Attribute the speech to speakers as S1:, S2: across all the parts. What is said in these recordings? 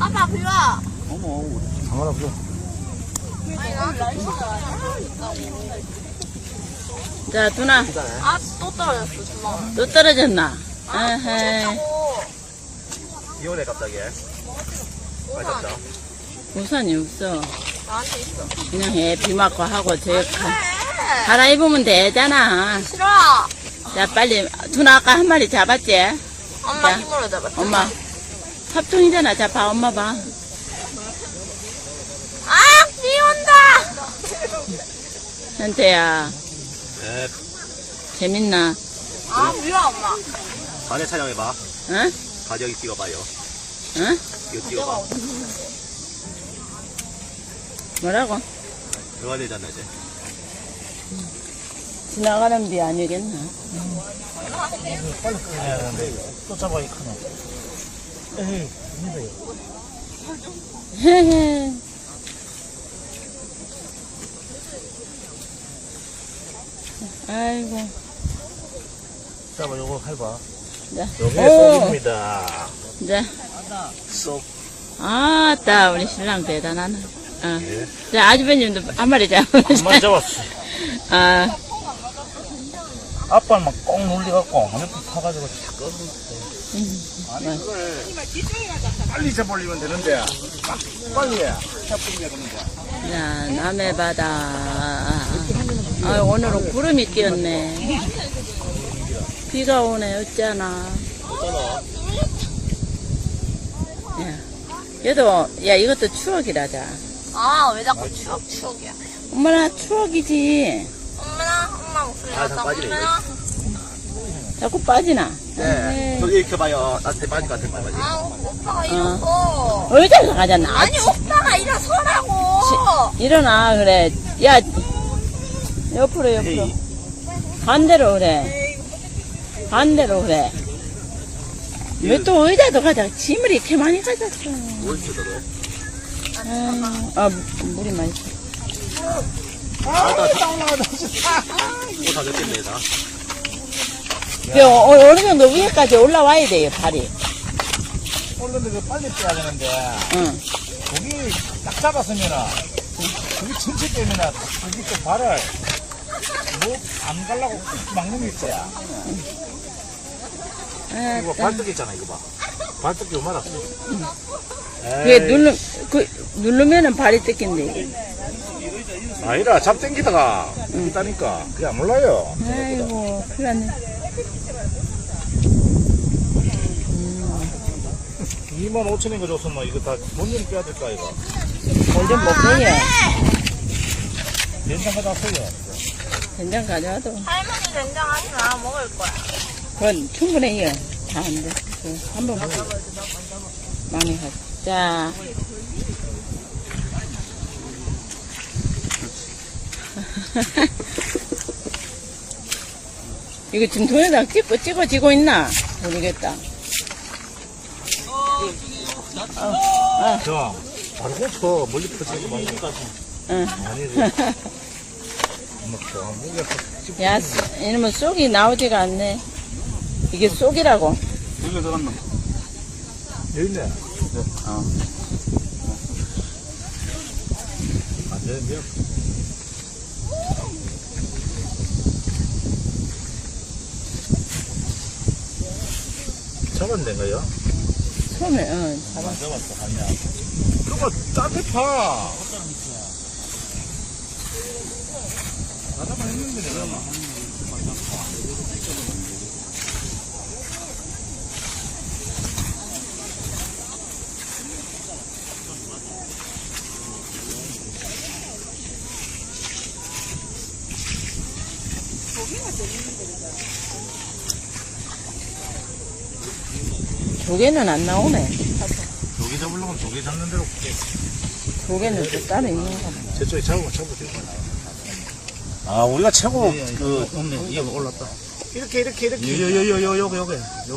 S1: 아빠 비워.
S2: 어머, 상관없어.
S1: 아니 나
S3: 자, 누나.
S1: 아또 떨어졌어 주먹.
S3: 또 떨어졌나? 에헤이.
S2: 이혼해, 갑자기. 맞았다.
S3: 우산이 없어.
S1: 나한테 있어.
S3: 그냥 해. 비 맞고 하고, 갈아입으면 되잖아.
S1: 싫어.
S3: 자, 빨리. 누나 아까 한 마리 잡았지?
S1: 엄마
S3: 야.
S1: 힘으로 잡았어.
S3: 엄마. 합통이잖아. 자, 봐, 엄마 봐.
S1: 아, 비 온다.
S3: 현태야,
S2: 네.
S3: 재밌나?
S1: 아, 미워 엄마.
S2: 반에 촬영해봐.
S3: 응?
S2: 가격이 찍어봐요.
S3: 응?
S2: 이거 찍어봐.
S3: 뭐라고?
S2: 들어가야 되잖아, 이제.
S3: 지나가는 비 아니겠나?
S4: 빨리 끄야 되는데 또 잡아야 크노. 에이, 힘들어요.
S3: 헤헤. 아이고.
S4: 잡아, 요거 해봐.
S3: 자.
S4: 요게
S3: 오.
S4: 쏙입니다.
S3: 자.
S4: 쏙.
S3: 아따, 우리 신랑 대단하네. 어.
S4: 예.
S3: 자, 아주버님도 한 마리
S4: 한 마리
S3: 잡으셨어.
S4: 잡았어.
S3: 아,
S4: 아빠는 막 꼭 눌려갖고, 화면불 타가지고 탁 껐어. 아니, 그걸 빨리 잡으려면 되는데, 막 빨리 해. 해보면 되는데.
S3: 자, 남해 바다. 아, 오늘은 구름이 끼었네. 비가 오네, 어쩌나. 야, 얘도, 야, 이것도 추억이라자.
S1: 아, 왜 자꾸 추억이야.
S3: 엄마나 추억이지.
S1: 엄마 목소리
S2: 아, 다
S1: 나다.
S2: 빠지네,
S1: 엄마나.
S3: 자꾸 빠지나?
S2: 네. 저기 이렇게 봐요. 나한테 빠질 것 같은 말이지.
S1: 아, 오빠가 일어서.
S3: 어디서 가잖아.
S1: 아니, 오빠가 일어서라고.
S3: 일어나, 그래. 야, 옆으로.
S2: 에이.
S3: 반대로 그래. 반대로 그래. 왜 또 의자도 가자. 짐을 이렇게 많이 가졌어.
S2: 뭘 쳐도
S3: 물이 많이.
S2: 또다 됐겠네, 다.
S3: 어느 정도 위에까지 올라와야 돼요, 발이.
S4: 올렸는데 그 빨리 빼야 되는데,
S3: 응.
S4: 고기 딱 잡았으면은, 고기 전체 때문에, 고기 또 발을, 안 가려고 꾹 막는 게 있어야. 이거 발떡 있잖아, 이거 봐. 발떡이 요만하어.
S3: 그게 누르면은 발이 뜯긴대.
S4: 아니라 잡땡기다가 있다니까 그게 안 몰라요.
S3: 아이고, 큰일 났네.
S4: 25,000원 거 줬으면 이거 다 본인 빼야 될까 이거.
S3: 골좀 먹어요.
S4: 된장 가져왔어요.
S3: 된장 가져와도.
S1: 할머니 된장 하지 마. 먹을 거야.
S3: 그건 충분해요. 다 안 돼. 한번 먹어. 많이 가자. 자. 이거 지금 동영상 찍어지고 있나? 모르겠다.
S4: 저 바로 고쳐 멀리 퍼지지 말고.
S3: 응.
S4: 아니지. 먹죠. 무게
S3: 야, 이놈은 쏙이 나오지가 않네. 이게 쏙이라고.
S4: 여기 들어갔나? 여기 있네. 안 되는데요? 잡았는데요?
S3: 처음에, 응, 잡아.
S4: 잡았어, 아니야. 그거 딴데 파. 나다만 했는데 내가 막.
S3: 조개는 안 나오네.
S4: 조개 잡으려면 조개 잡는 대로
S3: 조개는 또 따로 있는가 봐.
S4: 저쪽에 잡으면 잡고 되고. 아, 우리가 최고 없네. 이거 올랐다. 이렇게. 요게.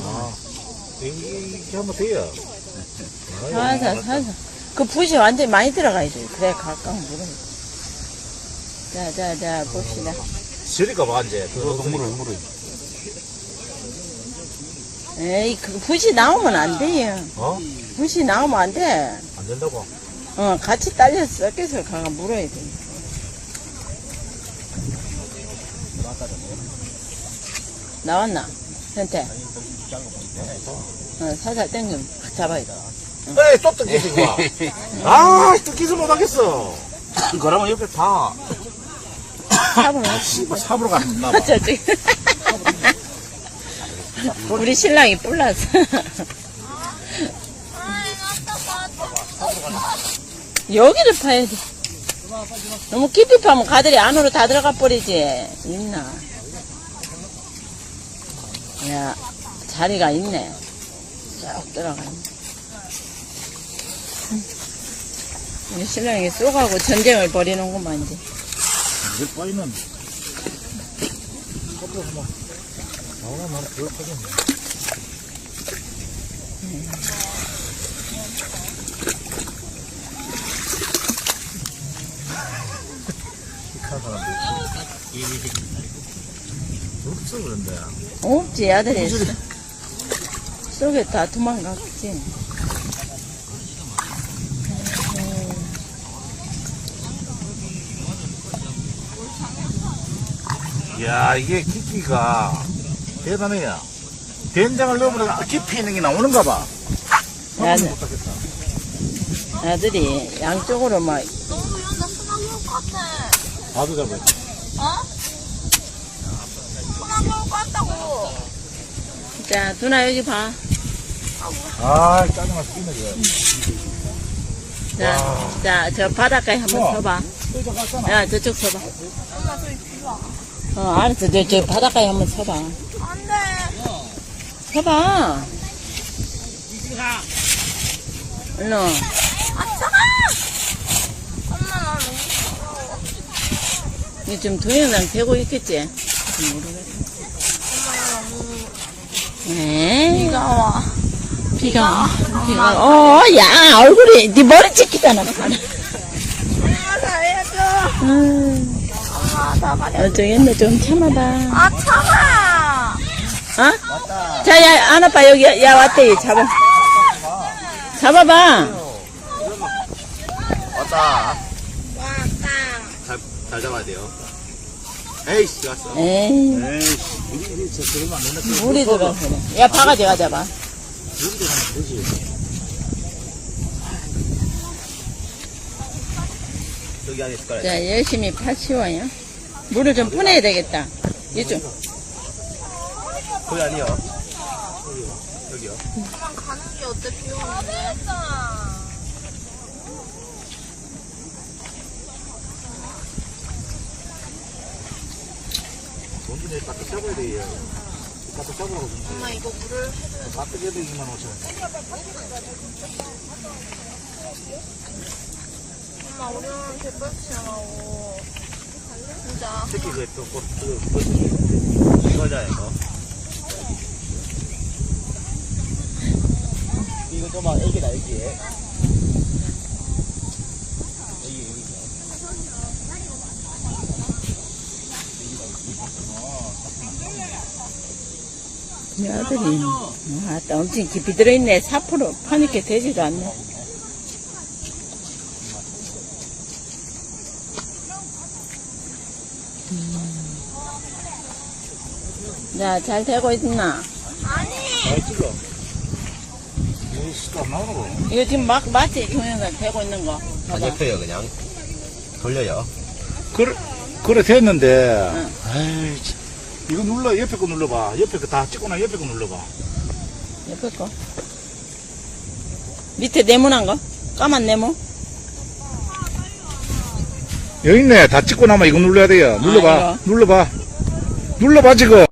S4: 이렇게 하면 돼요.
S3: 살살. 그 붓이 완전히 많이 들어가야 돼. 그래, 가까운 물은. 자, 봅시다.
S4: 저리가 봐, 이제. 물을.
S3: 에이, 그 붓이 나오면 안 돼요.
S4: 어?
S3: 붓이 나오면 안 돼.
S4: 안 된다고?
S3: 같이 딸려서 섞여서 가가 물어야 돼. 나왔나? 현태. 살살 당기면 확 잡아야 돼.
S4: 에이, 또 뜯기지, 이거. 아, 뜯기지 못하겠어. 그러면 옆에 다.
S3: 삽으로.
S4: 씨발, 삽으로 갔나 봐.
S3: 저쪽에. 우리 신랑이 뿔났어. 여기를 파야 돼. 너무 깊이 파면 가들이 안으로 다 들어가 버리지. 있나? 야, 자리가 있네. 쭉 들어가네. 우리 신랑이 쏘가고 전쟁을 벌이는구만, 이제.
S4: 이걸 빠이는. 삽으로 한번. 나오나, 나는 그걸 파겠네. 없어 그런데.
S3: 없지, 아들이. 속에 다 도망갔지.
S4: 이야, 이게 깊이가 대단해요. 된장을 넣어보니까 깊이 있는 게 나오는가 봐.
S3: 아들이 양쪽으로 막.
S1: 너무 연다 소나기 올 것 같아.
S4: 봐도 잡아요.
S1: 어? 소나기 올 것 같다고.
S3: 자, 누나 여기 봐.
S4: 아, 짜증나 죽겠네,
S3: 자, 저 바닷가에 한번
S4: 어.
S3: 서봐.
S4: 저 갔잖아.
S3: 야, 저쪽 서봐.
S1: 엄마 저기 뒤로 와.
S3: 알았어. 저 바닷가에 한번 서봐.
S1: 안 돼.
S3: 서봐. 일로.
S1: 아, 차가! 엄마, 나 너무 무서워.
S3: 이거 지금 동영상 되고 있겠지?
S1: 엄마, 나 너무.
S3: 에
S1: 비가 와.
S3: 비가. 야, 얼굴이, 네 머리 찍히잖아.
S1: 엄마, 살려줘. 엄마, 나가려.
S3: 저기 있네, 좀 참아봐.
S1: 아, 차가!
S3: 어? 자, 야, 안아봐, 여기, 야, 왔대, 잡아. 잡아봐.
S2: 왔다.
S1: 왔다.
S2: 잘 잡아야 돼요. 에이씨, 왔어.
S3: 에이,
S4: 에이씨, 우리 저 그러면 안 된다.
S3: 물이 들어서 그래. 야, 바가지 가져봐.
S4: 그런 데 가면 되지.
S2: 여기 안에 숟가락.
S3: 자, 열심히 파치워요. 물을 좀 푸내야 되겠다. 이쪽.
S2: 거기 아니요. 여기요.
S1: 그만 가는 게 어때, 비 오는데?
S4: 원준에 까딱 잡아야 돼요. 까딱 잡으라고 좀.
S1: 엄마, 이거 물을 해줘야 돼.
S4: 까딱 해야 돼, 2만 5천.
S1: 엄마, 우리는 개뻘치하고. 진짜.
S2: 새끼 이거잖아, 이거. 이거 좀만 애기다, 애기.
S3: 이 아들이, 또 엄청 깊이 들어있네. 4% 파니까 되지도 않네. 자, 잘 되고 있나?
S4: 잘 찍어. 에이씨, 안 나오는 거.
S3: 이거 지금 맞지? 동영상 되고 있는 거.
S2: 안
S3: 봐봐.
S2: 옆에요, 그냥. 돌려요.
S4: 그래 됐는데.
S3: 응.
S4: 에이, 참. 이거 눌러, 옆에 거 눌러봐. 옆에 거 다 찍고 나 옆에 거 눌러봐.
S3: 옆에 거. 밑에 네모난 거? 까만 네모?
S4: 여기 있네. 다 찍고 나면 이거 눌러야 돼요. 눌러봐.
S3: 이거.
S4: 눌러봐. 눌러봐, 지금.